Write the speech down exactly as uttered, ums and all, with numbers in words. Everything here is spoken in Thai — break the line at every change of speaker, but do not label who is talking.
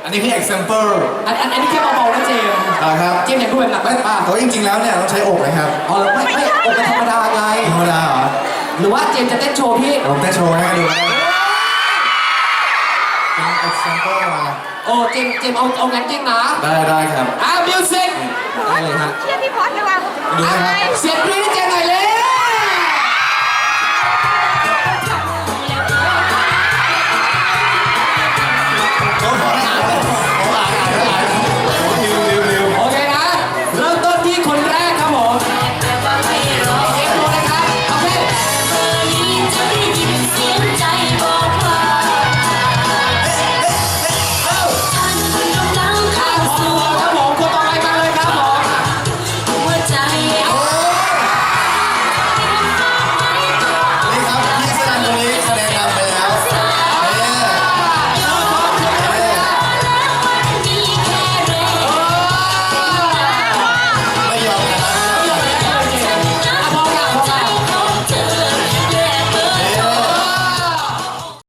อันนี้คือ example
อันอันอันนี้แค่เบาๆนะเจมส์
อ่าครับ
เจมส์อยากดูแบบหนักไหมป่ะ
แต่ว่าจริงๆแล้วเนี่ยต้องใช้อกนะครับ
อ๋อไม่ไม่อกเป็นธรรมดาไง
ธรรมดาเหรอ
หรือว่าเจมส์จะเต้นโชว์พี่
ผมเต้นโชว์ให้ดูนะเป็น example มา
โอ้เจมส์เจมส์เอาเอางั้นจริงนะ
ได้ได้ครับ
อ่ามิวสิก
ได้เลยฮะ
เชื่อพี่พอดเลยว่ะ
ดูนะครับ
เสียงกรี๊ดให้เจมส์หน่อยเร็ว